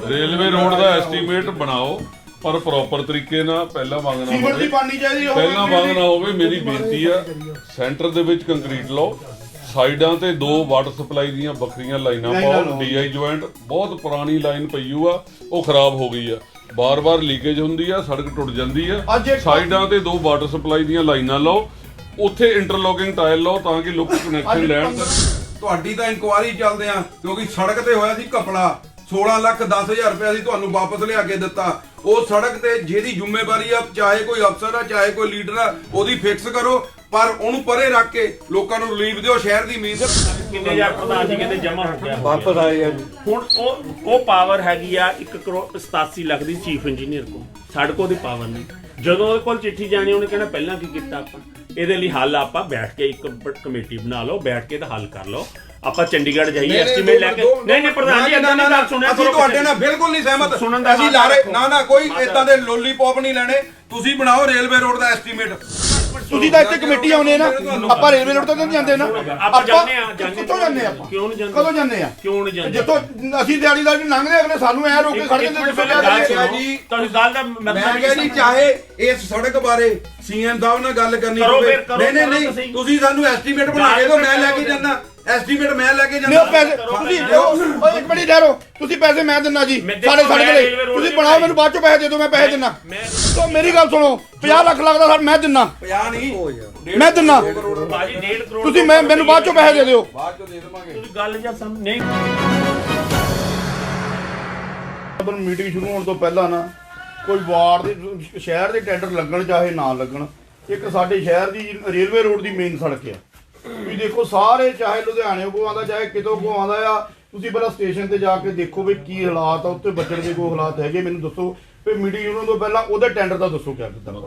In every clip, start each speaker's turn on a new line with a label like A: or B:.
A: Railway road ਦਾ estimate ਬਣਾਓ ਪਰ ਪ੍ਰੋਪਰ ਤਰੀਕੇ ਨਾਲ ਪਹਿਲਾਂ ਮੰਗ ਨਾ ਹੋਵੇ ਪਹਿਲਾਂ ਮੰਗ ਨਾ ਹੋਵੇ। ਮੇਰੀ ਬੇਨਤੀ ਆ ਸੈਂਟਰ ਦੇ ਵਿੱਚ ਕੰਕਰੀਟ ਲਾਓ, ਸਾਈਡਾਂ ਤੇ 2 ਵਾਟਰ ਸਪਲਾਈ ਦੀਆਂ ਵੱਖਰੀਆਂ ਲਾਈਨਾਂ ਪਾਓ। ਡੀਆਈ ਜੁਆਇੰਟ ਬਹੁਤ ਪੁਰਾਣੀ ਲਾਈਨ ਪਈ ਆ, ਉਹ ਖਰਾਬ ਹੋ ਗਈ ਆ, ਬਾਰ-ਬਾਰ ਲੀਕੇਜ ਹੁੰਦੀ ਆ, ਸੜਕ ਟੁੱਟ ਜਾਂਦੀ ਆ। ਸਾਈਡਾਂ ਤੇ 2 ਵਾਟਰ ਸਪਲਾਈ ਦੀਆਂ ਲਾਈਨਾਂ ਲਾਓ, ਉੱਥੇ ਇੰਟਰਲੋਕਿੰਗ ਟਾਇਲ ਲਾਓ ਤਾਂ ਕਿ ਲੋਕ ਕਨੈਕਸ਼ਨ ਲੈਣ।
B: ਤੁਹਾਡੀ ਤਾਂ ਇਨਕੁਆਇਰੀ ਚੱਲਦੇ ਆ ਕਿਉਂਕਿ ਸੜਕ ਤੇ ਹੋਇਆ ਸੀ ਘਪਲਾ। 16,10,000 ਰੁਪਏ ਅਸੀਂ ਤੁਹਾਨੂੰ ਵਾਪਸ ਲਿਆ ਕੇ ਦਿੱਤਾ। ਉਹ ਸੜਕ ਤੇ ਜਿਹਦੀ ਜ਼ਿੰਮੇਵਾਰੀ ਆ, ਚਾਹੇ ਕੋਈ ਅਫਸਰ ਆ ਚਾਹੇ ਕੋਈ ਲੀਡਰ ਆ, ਉਹਦੀ ਫਿਕਸ ਕਰੋ ਪਰ ਉਹਨੂੰ ਪਰੇ ਰੱਖ ਕੇ ਲੋਕਾਂ ਨੂੰ ਰਿਲੀਫ ਦਿਓ। ਸ਼ਹਿਰ ਦੀ ਉਮੀਦ
C: ਕਿੰਨੇ ਹਜ਼ਾਰ ਪ੍ਰਧਾਨ ਜੀ ਕਹਿੰਦੇ ਜਮਾ ਹੋ ਗਿਆ,
D: ਵਾਪਸ ਆਏ ਆ ਜੀ।
C: ਹੁਣ ਉਹ ਪਾਵਰ ਹੈਗੀ ਆ 1 ਕਰੋੜ 87 ਲੱਖ ਦੀ ਚੀਫ ਇੰਜੀਨੀਅਰ ਕੋਲ, ਸਾਡੇ ਕੋਲ ਦੀ ਪਾਵਰ ਨਹੀਂ। ਜਦੋਂ ਉਹਦੇ ਕੋਲ ਚਿੱਠੀ ਜਾਣੀ ਉਹਨੇ ਕਹਿਣਾ ਪਹਿਲਾਂ ਕੀ ਕੀਤਾ ਆਪਾਂ। ਇਹਦੇ ਲਈ ਹੱਲ ਆਪਾਂ ਬੈਠ ਕੇ ਇੱਕ ਕਮੇਟੀ ਬਣਾ ਲਓ, ਬੈਠ ਕੇ ਇਹਦਾ ਹੱਲ ਕਰ ਲਓ। ਆਪਾਂ ਚੰਡੀਗੜ੍ਹ ਜਾਈਏ ਐਸਟੀਮੇਟ ਲੈ ਕੇ। ਨਹੀਂ ਪ੍ਰਧਾਨ ਜੀ ਇਦਾਂ ਨਹੀਂ ਗੱਲ ਸੁਣਿਆ
B: ਅਸੀਂ ਤੁਹਾਡੇ ਨਾਲ ਬਿਲਕੁਲ ਨਹੀਂ ਸਹਿਮਤ। ਅਸੀਂ ਲਾਰੇ ਨਾ ਕੋਈ ਇਦਾਂ ਦੇ ਲੋਲੀਪੌਪ ਨਹੀਂ ਲੈਣੇ। ਤੁਸੀਂ ਬਣਾਓ ਰੇਲਵੇ ਰੋਡ ਦਾ ਐਸਟੀਮੇਟ।
D: ਤੁਸੀਂ ਤਾਂ ਇੱਥੇ ਕਮੇਟੀ ਆਉਨੇ ਨਾ, ਆਪਾਂ ਰੇਲਵੇ ਰੋਡ ਤੋਂ ਨਹੀਂ ਜਾਂਦੇ ਨਾ।
C: ਆਪਾਂ ਜਾਂਦੇ ਆ
D: ਕਿੱਥੋਂ ਜਾਂਦੇ ਆ?
C: ਕਿਉਂ ਨਹੀਂ ਜਾਂਦੇ?
D: ਕਦੋਂ ਜਾਂਦੇ ਆ?
C: ਕਿਉਂ ਨਹੀਂ ਜਾਂਦੇ?
D: ਜਿੱਥੋਂ ਅਸੀਂ ਦਿਹਾੜੀਦਾਰ ਜੀ ਲੰਘਦੇ ਅਗਲੇ ਸਾਨੂੰ ਐ ਰੋਕ ਕੇ ਖੜ ਜਾਂਦੇ।
B: ਜੀ
C: ਤੁਹਾਨੂੰ ਗੱਲ ਦਾ
B: ਮੈਂ ਕਿਹਾ ਜੀ ਚਾਹੇ ਇਸ ਸੜਕ ਬਾਰੇ ਸੀਐਮ ਸਾਹਿਬ ਨਾਲ ਗੱਲ ਕਰਨੀ ਪਵੇ। ਨਹੀਂ ਤੁਸੀਂ ਸਾਨੂੰ ਐਸਟੀਮੇਟ ਬਣਾ ਕੇ ਦਿਓ, ਮੈਂ ਲੈ ਕੇ ਜਾਂਦਾ। ਐਸਟੀਮੇਟ ਮੈਂ ਲੈ ਕੇ ਜਾਂਦਾ।
D: ਪੈਸੇ ਤੁਸੀਂ ਇੱਕ ਮਿੰਟ ਠਹਿਰੋ, ਤੁਸੀਂ ਪੈਸੇ ਮੈਂ ਦਿੰਨਾ ਜੀ ਸਾਡੇ ਸੜਕ ਲਈ। ਤੁਸੀਂ ਬਣਾਓ, ਮੈਨੂੰ ਬਾਅਦ ਚੋਂ ਪੈਸੇ ਦੇ ਦਿਓ, ਮੈਂ ਪੈਸੇ ਦਿੰਨਾ। ਤੋ ਮੇਰੀ ਗੱਲ ਸੁਣੋ, 50 ਲੱਖ ਲੱਗਦਾ ਸਰ, ਮੈਂ ਦਿੰਨਾ।
B: 50 ਨਹੀਂ
D: ਮੈਂ ਦਿੰਨਾ।
C: ਬਾਜੀ 1.5 ਕਰੋੜ
D: ਤੁਸੀਂ ਮੈਨੂੰ ਬਾਅਦ ਚੋਂ ਪੈਸੇ ਦੇ ਦਿਓ।
B: ਬਾਅਦ ਚੋਂ ਦੇ ਦੇਵਾਂਗੇ।
C: ਤੁਸੀਂ ਗੱਲ ਜਾਂ ਸਮ ਨਹੀਂ।
D: ਮੀਟਿੰਗ ਸ਼ੁਰੂ ਹੋਣ ਤੋਂ ਪਹਿਲਾਂ ਨਾ ਕੋਈ ਵਾਰਡ ਦੇ ਸ਼ਹਿਰ ਦੇ ਟੈਂਡਰ ਲੱਗਣ ਚਾਹੇ ਨਾ ਲੱਗਣ, ਇੱਕ ਸਾਡੇ ਸ਼ਹਿਰ ਦੀ ਰੇਲਵੇ ਰੋਡ ਦੀ ਮੇਨ ਸੜਕ ਆ। ਵੀ ਦੇਖੋ ਸਾਰੇ, ਚਾਹੇ ਲੁਧਿਆਣੇ ਕੋ ਆਉਂਦਾ ਚਾਹੇ ਕਿਤੋਂ ਕੋ ਆਉਂਦਾ ਆ, ਤੁਸੀਂ ਪਹਿਲਾਂ ਸਟੇਸ਼ਨ ਤੇ ਜਾ ਕੇ ਦੇਖੋ ਵੀ ਕੀ ਹਾਲਾਤ ਆ, ਉੱਤੇ ਬੱਚਣ ਦੇ ਕੋਈ ਹਾਲਾਤ ਹੈਗੇ, ਮੈਨੂੰ ਦੱਸੋ। ਫਿਰ ਮੀਟਿੰਗ ਸ਼ੁਰੂ ਹੋਣ ਤੋਂ ਪਹਿਲਾਂ ਉਹਦੇ ਟੈਂਡਰ ਦਾ ਦੱਸੋ ਕਿਆ ਕੀਤਾ।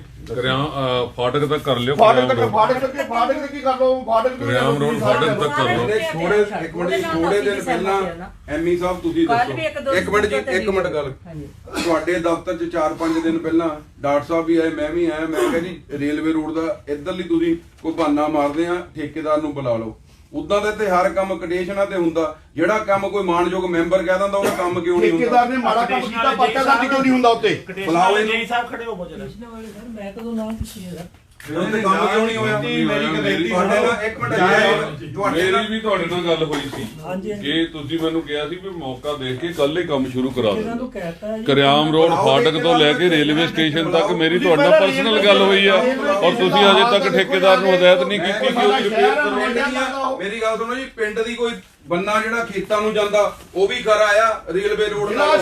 A: ਫਾਟਕ ਤੱਕ ਕਰ ਲਿਓ,
D: ਫਾਟਕ ਤੱਕ ਕੀ ਕਰ ਲਓ। ਫਾਟਕ
A: ਰਿਆਮ ਰੋਡ ਫਾਟਕ ਤੱਕ ਕਰ ਲਓ।
B: ਥੋੜੇ ਦਿਨ ਪਹਿਲਾਂ ਐਮਈ ਸਾਹਿਬ ਤੁਸੀਂ ਦੱਸੋ। ਇੱਕ ਮਿੰਟ ਜੀ, ਇੱਕ ਮਿੰਟ ਗੱਲ। ਤੁਹਾਡੇ ਦਫ਼ਤਰ 'ਚ 4-5 ਦਿਨ ਪਹਿਲਾਂ ਡਾਕਟਰ ਸਾਹਿਬ ਵੀ ਆਏ, ਮੈਂ ਵੀ ਆਇਆ। ਮੈਂ ਕਿਹਾ ਜੀ ਰੇਲਵੇ ਰੋਡ ਦਾ ਇੱਧਰਲੀ ਤੁਸੀਂ ਕੋਈ ਬਹਾਨਾ ਮਾਰਦੇ ਆ, ਠੇਕੇਦਾਰ ਨੂੰ ਬੁਲਾ ਲਓ। ਉਦਾਂ ਦੇ ਤੇ ਹਰ ਕੰਮ ਕੰਡੀਸ਼ਨਾਂ ਤੇ ਹੁੰਦਾ। ਜਿਹੜਾ ਕੰਮ ਕੋਈ ਮਾਨਯੋਗ ਮੈਂਬਰ ਕਹਿ ਦਿੰਦਾ ਉਹਦਾ ਕੰਮ ਕਿਉਂ ਨਹੀਂ ਹੁੰਦਾ?
D: ਠੇਕੇਦਾਰ ਨੇ ਮਾੜਾ ਕੰਮ ਕੀਤਾ, ਪੱਕਾ ਦਰਜ ਕਿਉਂ ਨਹੀਂ ਹੁੰਦਾ ਉੱਤੇ?
B: ਬੁਲਾਓ
C: ਜੀ ਸਾਹਿਬ ਖੜੇ ਹੋ ਬੋਲੋ।
E: ਮੈਂ ਕਦੋਂ ਨਾ ਪੁੱਛੀ ਇਹਦਾ
B: ਉਹਦੇ ਕੰਮ ਕਿਉਂ ਨਹੀਂ ਹੋਇਆ? ਮੇਰੀ ਤੁਹਾਡੇ ਨਾਲ ਇੱਕ ਮਿੰਟ
A: ਮੇਰੀ ਵੀ ਤੁਹਾਡੇ ਨਾਲ ਗੱਲ ਹੋਈ ਸੀ ਕਿ ਤੁਸੀਂ ਮੈਨੂੰ ਕਿਹਾ ਸੀ ਵੀ ਮੌਕਾ ਦੇਖ ਕੇ ਕੱਲ ਹੀ ਕੰਮ ਸ਼ੁਰੂ ਕਰਾ ਦਿਓ। ਕਰਿਆਮ ਰੋਡ ਫਾਟਕ ਤੋਂ ਲੈ ਕੇ ਰੇਲਵੇ ਸਟੇਸ਼ਨ ਤੱਕ ਮੇਰੀ ਤੁਹਾਡੇ ਨਾਲ ਪਰਸਨਲ ਗੱਲ ਹੋਈ ਆ ਔਰ ਤੁਸੀਂ ਅਜੇ ਤੱਕ ਠੇਕੇਦਾਰ ਨੂੰ ਹਦਾਇਤ ਨਹੀਂ ਕੀਤੀ ਕਿ ਉਹਦੀ ਰਿਪੇਅਰ ਕਰੋ।
B: ਮੇਰੀ ਗੱਲ ਸੁਣੋ ਜੀ, ਪਿੰਡ ਦੀ ਕੋਈ ਬੰਨਾ ਜਿਹੜਾ ਖੇਤਾਂ ਨੂੰ ਜਾਂਦਾ ਉਹ ਵੀ ਕਰ ਆਇਆ ਰੇਲਵੇ ਰੋਡ ਨਾਲ।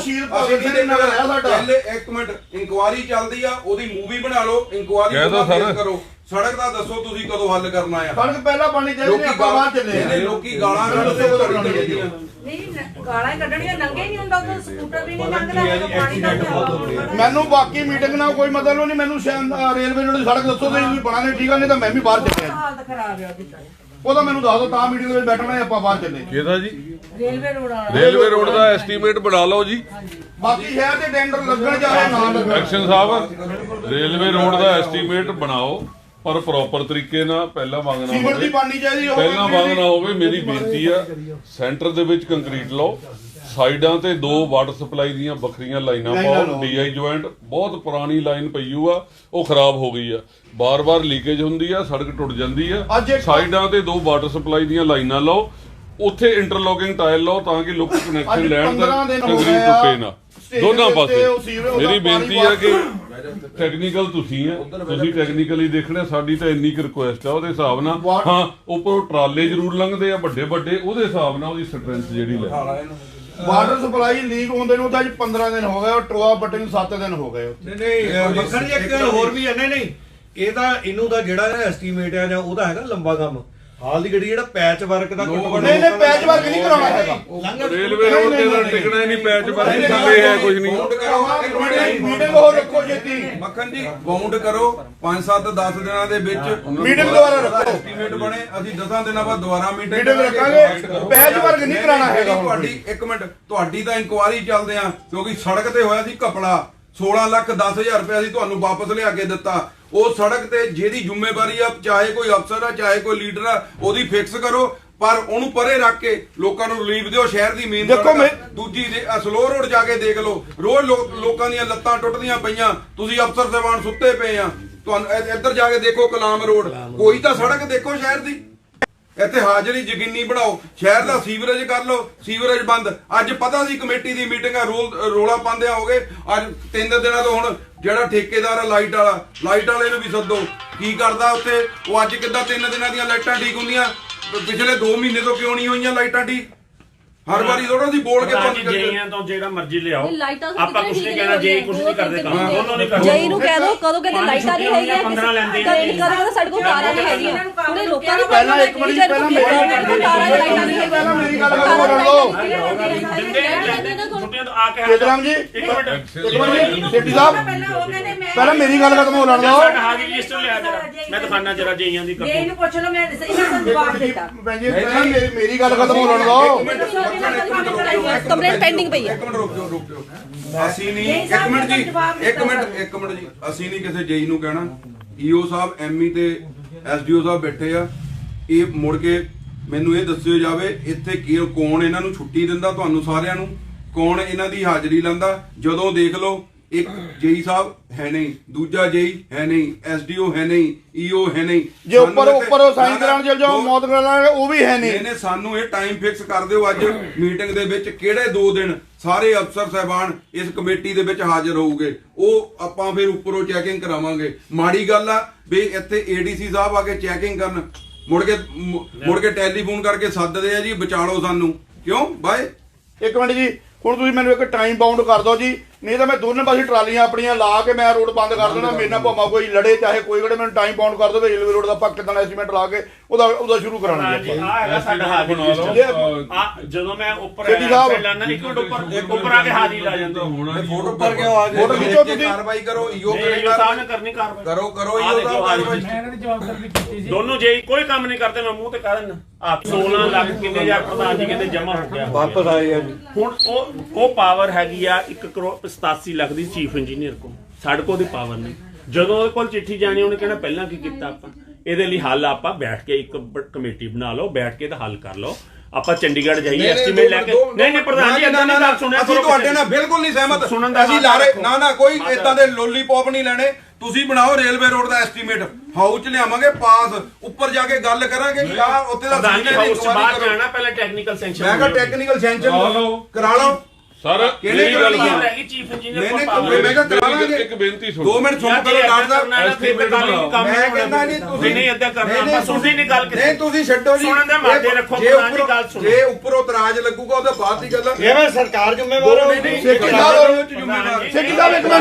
B: ਪਹਿਲੇ ਇੱਕ ਮਿੰਟ ਇਨਕੁਆਇਰੀ ਚੱਲਦੀ ਆ, ਉਹਦੀ ਮੂਵੀ ਬਣਾ ਲਓ। ਇਨਕੁਆਇਰੀ ਕਰੋ। ਸੜਕ ਦਾ ਦੱਸੋ ਤੁਸੀਂ ਕਦੋਂ ਹੱਲ ਕਰਨਾ ਆ?
D: ਸੜਕ ਪਹਿਲਾਂ ਬਣੀ ਚਾਹੀਦੀ, ਆਪਾਂ ਬਾਅਦ ਚੱਲੇ।
B: ਲੋਕੀ ਗਾਲਾਂ ਕੱਢਦੇ
E: ਨਹੀਂ ਗਾਲਾਂ ਕੱਢਣੀਆਂ, ਲੰਘੇ ਨਹੀਂ ਹੁੰਦਾ ਉਦੋਂ, ਸਕੂਟਰ ਵੀ ਨਹੀਂ ਲੰਘਦਾ, ਪਾਣੀ ਦਾ।
D: ਮੈਨੂੰ ਬਾਕੀ ਮੀਟਿੰਗ ਨਾਲ ਕੋਈ ਮਤਲਬ ਨਹੀਂ। ਮੈਨੂੰ ਰੇਲਵੇ ਰੋਡ ਦੀ ਸੜਕ ਦੱਸੋ ਤੁਸੀਂ ਬਣਾਣੇ, ਠੀਕ ਆ? ਨਹੀਂ ਤਾਂ ਮੈਂ ਵੀ ਬਾਹਰ ਚੱਲਿਆ।
E: ਹਾਲਤ ਖਰਾਬ ਹੈ ਉਹਦੀ।
D: ਉਹਦਾ ਮੈਨੂੰ ਦੱਸ ਦਿਓ, ਤਾਂ ਮੀਟਿੰਗ ਦੇ ਵਿੱਚ ਬੈਠਣਾ, ਆਪਾਂ ਬਾਹਰ ਚੱਲੇ।
A: ਕਿਹਦਾ ਜੀ?
E: ਰੇਲਵੇ ਰੋਡ ਵਾਲਾ।
A: ਰੇਲਵੇ ਰੋਡ ਦਾ ਐਸਟੀਮੇਟ ਬਣਾ ਲਓ ਜੀ।
D: ਬਾਕੀ ਸ਼ਹਿਰ ਦੇ ਟੈਂਡਰ ਲੱਗਣ ਚਾਹੇ ਨਾ ਲੱਗਣ।
A: ਐਕਸ਼ਨ ਸਾਹਿਬ, ਰੇਲਵੇ ਰੋਡ ਦਾ ਐਸਟੀਮੇਟ ਬਣਾਓ ਪਰ ਪ੍ਰੋਪਰ ਤਰੀਕੇ ਨਾਲ ਪਹਿਲਾਂ ਮੰਗ ਨਾ
D: ਸੀਮੈਂਟ ਦੀ
A: ਹੋਵੇ
D: ਬਣਨੀ ਚਾਹੀਦੀ
A: ਪਹਿਲਾਂ ਮੰਗ ਨਾ ਹੋਵੇ। ਮੇਰੀ ਬੇਨਤੀ ਆ ਸੈਂਟਰ ਦੇ ਵਿੱਚ ਕੰਕਰੀਟ ਲਾਓ, ਸਾਈਡਾਂ ਤੇ 2 ਵਾਟਰ ਸਪਲਾਈ ਦੀਆਂ ਵੱਖਰੀਆਂ ਲਾਈਨਾਂ ਪਾਓ। ਡੀਆਈ ਜੁਆਇੰਟ ਬਹੁਤ ਪੁਰਾਣੀ ਲਾਈਨ ਪਈ ਆ, ਉਹ ਖਰਾਬ ਹੋ ਗਈ ਆ, ਬਾਰ-ਬਾਰ ਲੀਕੇਜ ਹੁੰਦੀ ਆ, ਸੜਕ ਟੁੱਟ ਜਾਂਦੀ ਆ। ਸਾਈਡਾਂ ਤੇ 2 ਵਾਟਰ ਸਪਲਾਈ ਦੀਆਂ ਲਾਈਨਾਂ ਲਾਓ, ਉੱਥੇ ਇੰਟਰਲੋਕਿੰਗ ਟਾਇਲ ਲਾਓ ਤਾਂ ਕਿ ਲੋਕ ਕਨੈਕਸ਼ਨ ਲੈਣ ਤੇ ਕੰਕਰੀਟ ਟੁੱਟੇ ਨਾ ਦੋਨਾਂ ਪਾਸੇ। ਮੇਰੀ ਬੇਨਤੀ ਆ ਕਿ ਟੈਕਨੀਕਲ ਤੁਸੀਂ ਆ, ਤੁਸੀਂ ਟੈਕਨੀਕਲੀ ਦੇਖਣਾ। ਸਾਡੀ ਤਾਂ ਇੰਨੀ ਕੁ ਰਿਕੁਐਸਟ ਆ ਉਹਦੇ ਹਿਸਾਬ ਨਾਲ। ਹਾਂ, ਉੱਪਰੋਂ ਟਰਾਲੇ ਜ਼ਰੂਰ ਲੰਘਦੇ ਆ ਵੱਡੇ ਵੱਡੇ, ਉਹਦੇ ਹਿਸਾਬ ਨਾਲ ਉਹਦੀ ਸਟਰੈਂਥ ਜਿਹੜੀ ਲੈ।
D: ਵਾਟਰ ਸਪਲਾਈ ਲੀਕ ਹੁੰਦੇ ਨੂੰ ਤਾਂ ਅੱਜ 15 ਦਿਨ ਹੋ ਗਏ, ਔਰ ਟੋਆ ਪੱਟੇ ਨੂੰ 7 ਦਿਨ ਹੋ ਗਏ।
F: ਨਹੀਂ ਮੱਖਣ ਜੀ, ਇੱਕ ਗੱਲ ਹੋਰ ਵੀ ਹੈ। ਨਹੀਂ ਇਹਦਾ ਇਹਨੂੰ ਦਾ ਜਿਹੜਾ ਐਸਟੀਮੇਟ ਆ ਜਾਂ ਉਹਦਾ ਹੈਗਾ ਲੰਬਾ ਕੰਮ। ਹਾਲ ਦੀ ਗੱਡੀ ਜਿਹੜਾ ਪੈਚ ਵਰਕ ਦਾ
D: ਨਹੀਂ ਪੈਚ ਵਰਕ ਨਹੀਂ ਕਰਾਉਣਾ ਹੈਗਾ।
A: ਰੇਲਵੇ ਰੋਡ ਤੇ ਤਾਂ ਟਿਕਣਾ ਹੀ ਨਹੀਂ, ਪੈਚ ਵਰਕ ਥੱਲੇ ਹੈ ਕੁਝ ਨਹੀਂ।
D: ਮੀਟਿੰਗ ਹੋਰ ਰੱਖੋ ਛੇਤੀ।
B: ਮੱਖਣ ਜੀ ਬਾਉਂਡ ਕਰੋ, 5-7-10 ਦਿਨਾਂ ਦੇ ਵਿੱਚ
D: ਮੀਟਿੰਗ ਦੁਬਾਰਾ ਰੱਖੋ।
B: ਐਸਟੀਮੇਟ ਬਣੇ, ਅਸੀਂ 10 ਦਿਨਾਂ ਬਾਅਦ ਦੁਬਾਰਾ ਮੀਟਿੰਗ
D: ਰੱਖਾਂਗੇ। ਪੈਚ ਵਰਕ ਨਹੀਂ ਕਰਾਉਣਾ ਹੈਗਾ।
B: ਤੁਹਾਡੀ ਇੱਕ ਮਿੰਟ, ਤੁਹਾਡੀ ਤਾਂ ਇਨਕੁਆਇਰੀ ਚੱਲਦੇ ਆ ਕਿਉਂਕਿ ਸੜਕ ਤੇ ਹੋਇਆ ਸੀ ਘਪਲਾ। 16,10,000 ਰੁਪਏ ਅਸੀਂ ਤੁਹਾਨੂੰ ਵਾਪਸ ਲਿਆ ਕੇ ਦਿੱਤਾ। ਉਹ ਸੜਕ ਤੇ ਜਿਹਦੀ ਜ਼ਿੰਮੇਵਾਰੀ ਆ, ਚਾਹੇ ਕੋਈ ਅਫਸਰ ਆ ਚਾਹੇ ਕੋਈ ਲੀਡਰ ਆ, ਉਹਦੀ ਫਿਕਸ ਕਰੋ ਪਰ ਉਹਨੂੰ ਪਰੇ ਰੱਖ ਕੇ ਲੋਕਾਂ ਨੂੰ ਰਿਲੀਫ ਦਿਓ। ਸ਼ਹਿਰ ਦੀ ਮੇਨ
D: ਦੇਖੋ
B: ਦੂਜੀ ਸਲੋ ਰੋਡ ਜਾ ਕੇ ਦੇਖ ਲਓ, ਰੋਜ਼ ਲੋਕਾਂ ਦੀਆਂ ਲੱਤਾਂ ਟੁੱਟਦੀਆਂ ਪਈਆਂ, ਤੁਸੀਂ ਅਫਸਰ ਸਾਹਿਬਾਨ ਸੁੱਤੇ ਪਏ ਆ। ਤੁਹਾਨੂੰ ਇੱਧਰ ਜਾ ਕੇ ਦੇਖੋ ਗੁਲਾਮ ਰੋਡ, ਕੋਈ ਤਾਂ ਸੜਕ ਦੇਖੋ ਸ਼ਹਿਰ ਦੀ। ਇੱਥੇ ਹਾਜ਼ਰੀ ਯਕੀਨੀ ਬਣਾਓ। ਸ਼ਹਿਰ ਦਾ ਸੀਵਰੇਜ ਕਰ ਲਓ, ਸੀਵਰੇਜ ਬੰਦ। ਅੱਜ ਪਤਾ ਸੀ ਕਮੇਟੀ ਦੀ ਮੀਟਿੰਗ ਆ, ਰੋਲਾ ਪਾਉਂਦਿਆਂ ਹੋ ਗਏ। ਅੱਜ 3 ਦਿਨਾਂ ਤੋਂ ਹੁਣ ਜਿਹੜਾ ਠੇਕੇਦਾਰ ਆ ਲਾਈਟ ਵਾਲੇ ਨੂੰ ਵੀ ਸੱਦੋ, ਕੀ ਕਰਦਾ ਉੱਥੇ ਉਹ। ਅੱਜ ਕਿੱਦਾਂ 3 ਦਿਨਾਂ ਦੀਆਂ ਲਾਈਟਾਂ ਠੀਕ ਹੁੰਦੀਆਂ, ਪਿਛਲੇ 2 ਮਹੀਨੇ ਤੋਂ ਕਿਉਂ ਨਹੀਂ ਹੋਈਆਂ ਲਾਈਟਾਂ ਠੀਕ? ਹਰ ਵਾਰੀ ਥੋੜਾ ਸੀ ਬੋਲ ਕੇ ਤੁਹਾਨੂੰ
C: ਜੇਈਆਂ ਤੋਂ ਜਿਹੜਾ ਮਰਜ਼ੀ ਲਿਆਓ, ਆਪਾਂ ਕੁਝ ਨਹੀਂ ਕਹਿਣਾ। ਜੇ ਕੁਝ ਨਹੀਂ ਕਰਦੇ ਕੰਮ ਦੋਨੋਂ ਨਹੀਂ ਕਰਦੇ।
G: ਜੇਈ ਨੂੰ ਕਹਿ ਦੋ ਕਦੋਂ ਕਹਿੰਦੇ ਲਾਈਟਾਂ ਨਹੀਂ ਹੈਗੀਆਂ,
C: 15 ਲੈਂਦੇ
G: ਕਦੋਂ ਸਾਡੇ ਕੋਲ ਤਾਰਾਂ ਨਹੀਂ ਹੈਗੀਆਂ। ਉਹਨੇ ਲੋਕਾਂ ਦੀ
D: ਪਹਿਲਾਂ ਇੱਕ ਮਿੰਟ ਜੀ, ਪਹਿਲਾਂ ਮੇਰੀ ਗੱਲ ਬੋਲਣ ਦਿਓ।
C: ਛੁੱਟੀਆਂ ਤੋਂ ਆ ਕੇ
D: ਕੇਦਰਾਮ ਜੀ
C: ਇੱਕ ਮਿੰਟ
D: ਸੇਠੀ ਸਾਹਿਬ ਪਹਿਲਾਂ ਮੇਰੀ ਗੱਲ ਖਤਮ ਹੋਣ ਦਿਓ।
C: ਸਾਡਾ ਹਾਜ਼ਰੀ ਰਜਿਸਟਰ ਲਿਆ ਜਰਾ, ਮੈਂ ਦਿਖਾਣਾ ਜਰਾ ਜੇਈਆਂ ਦੀ
E: ਜੇ ਇਹਨੂੰ ਪੁੱਛ ਲਓ, ਮੈਂ ਇਹਨਾਂ ਨੂੰ ਜਵਾਬ ਦਿੱਤਾ।
D: ਭੈਣ ਜੀ ਪਹਿਲਾਂ ਮੇਰੀ ਗੱਲ ਖਤਮ ਹੋਣ ਦਿਓ।
G: ਕੰਪਲੇਂਟ ਪੈਂਡਿੰਗ ਪਈ ਹੈ।
B: ਇੱਕ ਮਿੰਟ ਰੁਕ ਜਾਓ। ਅਸੀਂ ਨਹੀਂ, ਇੱਕ ਮਿੰਟ ਜੀ, ਅਸੀਂ ਨਹੀਂ ਕਿਸੇ ਜੇਈ ਨੂੰ ਕਹਿਣਾ। ਈਓ ਸਾਹਿਬ, ਐਮਈ ਤੇ ਐਸਡੀਓ ਸਾਹਿਬ ਬੈਠੇ ਆ। ਇਹ ਮੁੜ ਕੇ ਮੈਨੂੰ ਇਹ ਦੱਸਿਓ ਜਾਵੇ ਇੱਥੇ ਕੌਣ ਇਹਨਾਂ ਨੂੰ ਛੁੱਟੀ ਦਿੰਦਾ, ਤੁਹਾਨੂੰ ਸਾਰਿਆਂ ਨੂੰ ਕੌਣ ਇਹਨਾਂ ਦੀ ਹਾਜ਼ਰੀ ਲੈਂਦਾ। ਜਦੋਂ ਦੇਖ ਲਓ ਇੱਕ ਜੇਈ ਸਾਹਿਬ ਹੈ ਨਹੀਂ, ਦੂਜਾ ਜੇਈ ਹੈ ਨਹੀਂ, ਐਸਡੀਓ ਹੈ ਨਹੀਂ, ਈਓ ਹੈ ਨਹੀਂ।
D: ਜੇ ਉੱਪਰ ਸਾਈਨ ਕਰਾਉਣ ਚਲ ਜਾਓ, ਮੌਤ ਕਰਾਉਣ ਉਹ ਵੀ ਹੈ ਨਹੀਂ।
B: ਨੇ ਸਾਨੂੰ ਇਹ ਟਾਈਮ ਫਿਕਸ ਕਰ ਦਿਓ ਅੱਜ ਮੀਟਿੰਗ ਦੇ ਵਿੱਚ, ਕਿਹੜੇ 2 ਦਿਨ ਸਾਰੇ ਅਫਸਰ ਸਾਹਿਬਾਨ ਇਸ ਕਮੇਟੀ ਦੇ ਵਿੱਚ ਹਾਜ਼ਰ ਹੋਊਗੇ। ਉਹ ਆਪਾਂ ਫਿਰ ਉੱਪਰੋਂ ਚੈਕਿੰਗ ਕਰਾਵਾਂਗੇ। ਮਾੜੀ ਗੱਲ ਆ ਵੀ ਇੱਥੇ ਏਡੀਸੀ ਸਾਹਿਬ ਆ ਕੇ ਚੈਕਿੰਗ ਕਰਨ, ਮੁੜ ਕੇ ਟੈਲੀਫੋਨ ਕਰਕੇ ਸੱਦਦੇ ਆ ਜੀ ਵਿਚਾਲੋ ਸਾਨੂੰ, ਕਿਉਂ ਬਾਏ।
D: ਇੱਕ ਮਿੰਟ ਜੀ, ਹੁਣ ਤੁਸੀਂ ਮੈਨੂੰ ਇੱਕ ਟਾਈਮ ਬਾਉਂਡ ਕਰ ਦਿਓ ਜੀ, ਨਹੀਂ ਤਾਂ ਮੈਂ ਦੋਨੇ ਪਾਸੇ ਟਰਾਲੀਆਂ ਆਪਣੀਆਂ ਲਾ ਕੇ ਮੈਂ ਰੋਡ ਬੰਦ ਕਰ ਦੇਣਾ। ਮੇਰੇ ਨਾਲ ਭਾਵੇਂ ਕੋਈ ਲੜੇ ਚਾਹੇ ਕੋਈ ਗੜੇ, ਮੈਨੂੰ ਟਾਈਮ ਬਾਉਂਡ ਕਰ ਦਿਓ। ਰੇਲਵੇ ਰੋਡ ਦਾ ਆਪਾਂ ਕਿੱਦਾਂ ਐਸਟੀਮੇਟ ਲਾ ਕੇ ਉਹਦਾ ਸ਼ੁਰੂ ਕਰਾਉਣਾ ਜੀ।
C: ਆ ਹੈਗਾ ਸਾਡਾ ਹਾਜ਼ਰੀ ਰਜਿਸਟਰ। ਆ ਜਦੋਂ ਮੈਂ ਉੱਪਰ ਲਾਣਾ ਇੱਕ ਮਿੰਟ ਉੱਪਰ ਆ ਕੇ ਹਾਜ਼ਰੀ ਲਾ ਜਾਂਦਾ।
B: ਫੋਟੋ ਉੱਪਰ ਕਿਉਂ ਆ ਗਏ?
D: ਫੋਟੋ ਖਿੱਚੋ ਤੁਸੀਂ।
B: ਕਾਰਵਾਈ ਕਰੋ, ਈਓ
C: ਸਾਹਿਬ ਨੇ ਕਰਨੀ ਕਾਰਵਾਈ।
B: ਕਰੋ ਈਓ ਸਾਹਿਬ ਕਾਰਵਾਈ।
C: ਦੋਨੋਂ ਜੇ ਕੋਈ ਕੰਮ ਨਹੀਂ ਕਰਦੇ, ਮੈਂ ਮੂੰਹ ਤੇ ਕਹਿ ਦਿੰਦਾ। ਆ 16 ਲੱਖ ਕਿੰਨੇ ਹਜ਼ਾਰ ਪ੍ਰਧਾਨ ਜੀ ਕਹਿੰਦੇ ਜਮਾ ਹੋ ਗਿਆ,
F: ਵਾਪਸ ਆਏ ਆ ਜੀ।
C: ਹੁਣ ਉਹ ਪਾਵਰ ਹੈਗੀ ਆ 1 ਕਰੋੜ 87 ਲੱਖ ਦੀ ਚੀਫ ਇੰਜੀਨੀਅਰ ਕੋਲ। ਸਾਡੇ ਕੋਲ ਦੀ ਪਾਵਰ ਨਹੀਂ। ਜਦੋਂ ਉਹਦੇ ਕੋਲ ਚਿੱਠੀ ਜਾਣੀ, ਉਹਨੇ ਕਹਿਣਾ ਪਹਿਲਾਂ ਕੀ ਕੀਤਾ ਆਪਾਂ। ਇਹਦੇ ਲਈ ਹੱਲ ਆਪਾਂ ਬੈਠ ਕੇ ਇੱਕ ਕਮੇਟੀ ਬਣਾ ਲਓ, ਬੈਠ ਕੇ ਤਾਂ ਹੱਲ ਕਰ ਲਓ। ਆਪਾਂ ਚੰਡੀਗੜ੍ਹ ਜਾਈਏ ਐਸਟੀਮੇਟ ਲੈ ਕੇ। ਨਹੀਂ ਪ੍ਰਧਾਨ ਜੀ ਇਦਾਂ ਦੀ ਗੱਲ ਸੁਣਿਆ
B: ਅਸੀਂ ਤੁਹਾਡੇ ਨਾਲ ਬਿਲਕੁਲ ਨਹੀਂ ਸਹਿਮਤ। ਅਸੀਂ ਲਾਰੇ ਨਾ ਕੋਈ ਇਦਾਂ ਦੇ ਲੋਲੀਪੌਪ ਨਹੀਂ ਲੈਣੇ। ਤੁਸੀਂ ਬਣਾਓ ਰੇਲਵੇ ਰੋਡ ਦਾ ਐਸਟੀਮੇਟ, ਹਾਊਸ ਚ ਲਿਆਵਾਂਗੇ ਪਾਸ, ਉੱਪਰ ਜਾ ਕੇ ਗੱਲ ਕਰਾਂਗੇ। ਯਾ ਉੱਥੇ ਦਾ
C: ਹਾਊਸ ਚ ਬਾਅਦ ਜਾਣਾ, ਪਹਿਲਾਂ ਟੈਕਨੀਕਲ ਸੈਂਕਸ਼ਨ।
B: ਮੈਂ ਕਿਹਾ ਟੈਕਨੀਕਲ ਸੈਂਕਸ਼ਨ ਕਰਾ ਲਓ।
A: ਸਰ
B: ਕਿਹੜੇ
A: ਗੱਲ
C: ਹੈਗੀ ਚੀਫ ਇੰਜੀਨੀਅਰ ਕੋਲ ਪਾਵਰ।
B: ਮੈਂ ਕਿਹਾ ਕਰਾਵਾਂਗੇ।
A: ਇੱਕ ਬੇਨਤੀ ਸੁਣੋ,
B: 2 ਮਿੰਟ ਸੁਣ ਕਰੋ ਡਾਕਟਰ ਸਾਹਿਬ।
C: ਮੈਂ
B: ਕਹਿੰਦਾ ਨਹੀਂ ਤੁਸੀਂ
C: ਨਹੀਂ ਏਦਾਂ ਕਰਨਾ, ਆਪਾਂ ਸੁਣਨੀ ਨਹੀਂ ਗੱਲ
B: ਨਹੀਂ ਤੁਸੀਂ ਛੱਡੋ ਜੀ।
C: ਸੁਣਨ ਦੇ ਮਾਦੇ ਰੱਖੋ, ਪ੍ਰਧਾਨ ਜੀ ਗੱਲ ਸੁਣੋ।
B: ਜੇ ਉੱਪਰੋਂ ਇਤਰਾਜ਼ ਲੱਗੂਗਾ ਉਹਦੇ ਬਾਅਦ ਦੀ ਗੱਲ।
F: ਇਹ ਮੈਂ ਸਰਕਾਰ ਜ਼ਿੰਮੇਵਾਰ ਹੋ।
D: ਸੇਠੀ ਸਾਹਿਬ ਇੱਕ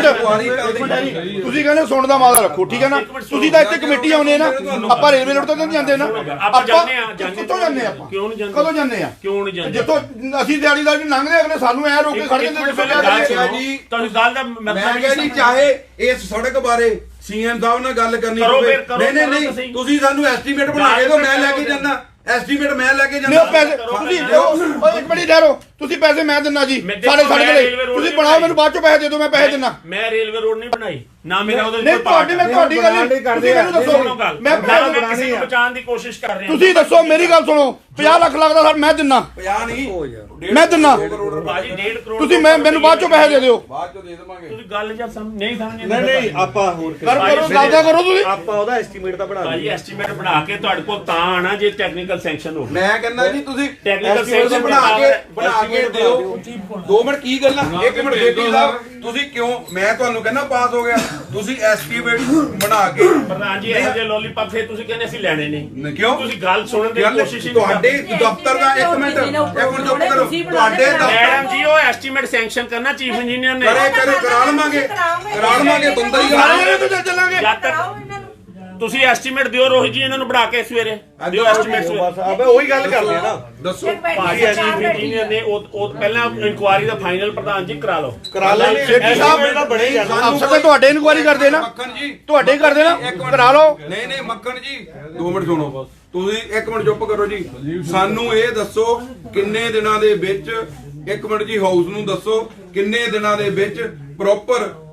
D: ਮਿੰਟ, ਤੁਸੀਂ ਕਹਿੰਦੇ ਸੁਣਨ ਦਾ ਮਾਦਾ ਰੱਖੋ, ਠੀਕ ਹੈ ਨਾ। ਤੁਸੀਂ ਤਾਂ ਇੱਥੇ ਕਮੇਟੀ ਆਉਨੇ ਨਾ, ਆਪਾਂ ਰੇਲਵੇ ਰੋਡ ਤੋਂ ਨਹੀਂ ਜਾਂਦੇ ਨਾ।
C: ਆਪਾਂ ਜਾਂਦੇ ਆ।
D: ਕਿੱਥੋਂ ਜਾਂਦੇ ਆਪਾਂ?
C: ਕਿਉਂ ਨਹੀਂ ਜਾਂਦੇ?
D: ਕਦੋਂ ਜਾਂਦੇ ਆ?
C: ਕਿਉਂ ਨਹੀਂ ਜਾਂਦੇ?
D: ਜਿੱਥੋਂ ਅਸੀਂ ਦਿਹਾੜੀਦਾਰ ਜੀ ਲੰਘਦੇ ਅਗਲੇ ਸਾਨੂੰ ਐ ਰੋਕ ਕੇ ਖੜ ਜਾਂਦੇ।
C: ਤੁਸੀਂ ਗੱਲ ਦਾ
B: ਮੈਂ ਕਿਹਾ ਜੀ ਚਾਹੇ ਇਸ ਸੜਕ ਬਾਰੇ ਸੀਐਮ ਸਾਹਿਬ ਨਾਲ ਗੱਲ ਕਰਨੀ ਹੋਵੇ। ਨਹੀਂ ਤੁਸੀਂ ਸਾਨੂੰ ਐਸਟੀਮੇਟ ਬਣਾ ਕੇ ਦਿਓ, ਮੈਂ ਲੈ ਕੇ ਜਾਂਦਾ। ਐਸਟੀਮੇਟ ਮੈਂ ਲੈ ਕੇ ਜਾਂਦਾ।
D: ਪੈਸੇ ਤੁਸੀਂ ਇੱਕ ਮਿੰਟ ਠਹਿਰੋ, ਤੁਸੀਂ ਪੈਸੇ ਮੈਂ ਦਿੰਨਾ ਜੀ ਸਾਡੇ ਕੋਲੇ। ਤੁਸੀਂ ਬਣਾਓ, ਮੈਨੂੰ ਬਾਅਦ ਚੋਂ ਪੈਸੇ ਦੇ ਦਿਓ, ਮੈਂ ਪੈਸੇ ਦਿੰਨਾ।
C: ਮੈਂ ਰੇਲਵੇ ਰੋਡ ਨਹੀਂ ਬਣਾਈ ਨਾ, ਮੇਰਾ ਉਹਦੇ
D: ਨਹੀਂ ਤੁਹਾਡੀ ਗੱਲ ਤੁਸੀਂ ਮੈਨੂੰ ਦੱਸੋ। ਮੈਂ
C: ਕਿਸੇ ਨੂੰ ਬਚਾਉਣ ਦੀ ਕੋਸ਼ਿਸ਼ ਕਰ ਰਿਹਾ।
D: ਤੁਸੀਂ ਦੱਸੋ, ਮੇਰੀ ਗੱਲ ਸੁਣੋ। 50 ਲੱਖ ਲੱਗਦਾ ਸਰ, ਮੈਂ ਦਿੰਨਾ।
B: 50 ਨਹੀਂ
D: ਮੈਂ ਦਿੰਨਾ।
C: ਬਾਜੀ 1.5 ਕਰੋੜ
D: ਤੁਸੀਂ ਮੈਨੂੰ ਬਾਅਦ ਚੋਂ ਪੈਸੇ ਦੇ ਦਿਓ।
B: ਬਾਅਦ ਚੋਂ ਦੇ ਦੇਵਾਂਗੇ।
C: ਤੁਸੀਂ ਗੱਲ ਜਾਂ ਨਹੀਂ ਸਮਝਦੇ।
F: ਨਹੀਂ ਆਪਾਂ ਹੋਰ
D: ਕਰਦਾ ਕਰੋ ਤੁਸੀਂ।
F: ਆਪਾਂ ਉਹਦਾ ਐਸਟੀਮੇਟ ਤਾਂ ਬਣਾ
C: ਬਾਜੀ ਐਸਟੀਮੇਟ ਬਣਾ ਕੇ ਤੁਹਾਡੇ ਕੋਲ ਤਾਂ ਆਣਾ ਜੇ ਟੈਕਨੀਕਲ ਸੈਂਕਸ਼ਨ ਹੋਵੇ।
B: ਮੈਂ ਕਹਿੰਦਾ ਜੀ ਤੁਸੀਂ
C: ਟੈਕਨੀਕਲ
B: ਐਸਟੀਮੇਟ ਬਣਾ ਕੇ ਦਿਓ। 2 ਮਿੰਟ ਕੀ ਗੱਲਾਂ? 1 ਮਿੰਟ ਬੇਟੀ ਸਾਹਿਬ, ਤੁਸੀਂ ਕਿਉਂ? ਮੈਂ ਤੁਹਾਨੂੰ ਕਹਿੰਦਾ ਪਾਸ ਹੋ ਗਿਆ, ਤੁਸੀਂ ਐਸਟੀਮੇਟ ਬਣਾ ਕੇ।
C: ਪ੍ਰਧਾਨ ਜੀ ਇਹੋ ਜਿਹੇ ਲੋਲੀਪੌਪ ਫੇਰ ਤੁਸੀਂ ਕਹਿੰਦੇ ਅਸੀਂ ਲੈਣੇ ਨਹੀਂ।
B: ਕਿਉਂ?
C: ਤੁਸੀਂ ਗੱਲ ਸੁਣਨ ਦੀ ਕੋਸ਼ਿਸ਼ ਹੀ
B: ਤੁਹਾਡੇ ਦਫ਼ਤਰ ਦਾ 1 ਮਿੰਟ ਚੁੱਪ ਕਰੋ। ਤੁਹਾਡੇ
C: ਮੈਡਮ ਜੀ ਉਹ ਐਸਟੀਮੇਟ ਸੈਂਕਸ਼ਨ ਕਰਨਾ ਚੀਫ ਇੰਜੀਨੀਅਰ ਨੇ।
B: ਕਰਾ ਲਵਾਂਗੇ ਬੰਦਾ ਹੀ
D: ਚੱਲਾਂਗੇ।
C: ਜਦ ਤੱਕ ਤੁਸੀਂ ਐਸਟੀਮੇਟ ਦਿਓ ਰੋਹਿਤ ਜੀ, ਇਹਨਾਂ ਨੂੰ ਬਣਾ ਕੇ ਸਵੇਰੇ ਦਿਓ ਐਸਟੀਮੇਟ
F: ਬਸ ਆਪੇ ਉਹੀ ਗੱਲ ਕਰਦੇ ਆ ਨਾ।
B: ਦੱਸੋ
C: ਭਾਜੀ ਚੀਫ ਇੰਜੀਨੀਅਰ ਨੇ ਉਹ ਪਹਿਲਾਂ ਇਨਕੁਆਇਰੀ ਦਾ ਫਾਈਨਲ ਪ੍ਰਧਾਨ ਜੀ ਕਰਾ ਲਓ।
F: ਕਰਾ ਲੈਣੇ
D: ਸੇਠੀ ਸਾਹਿਬ
F: ਤਾਂ ਬਣੇ ਜਾਣਾ।
D: ਅਫਸਰ ਤਾਂ ਤੁਹਾਡੇ ਇਨਕੁਆਇਰੀ ਕਰਦੇ ਨਾ,
B: ਮੱਖਣ ਜੀ
D: ਤੁਹਾਡੇ ਕਰਦੇ ਨਾ, ਕਰਾ ਲਓ।
B: ਨਹੀਂ ਮੱਖਣ ਜੀ 2 ਮਿੰਟ ਸੁਣੋ। ਤੁਸੀਂ 1 ਮਿੰਟ ਚੁੱਪ ਕਰੋ ਜੀ। ਸਾਨੂੰ ਇਹ ਦੱਸੋ ਕਿੰਨੇ ਦਿਨਾਂ ਦੇ ਵਿੱਚ, 1 ਮਿੰਟ ਜੀ ਹਾਊਸ ਨੂੰ ਦੱਸੋ ਕਿੰਨੇ ਦਿਨਾਂ ਦੇ ਵਿੱਚ ਪ੍ਰੋਪਰ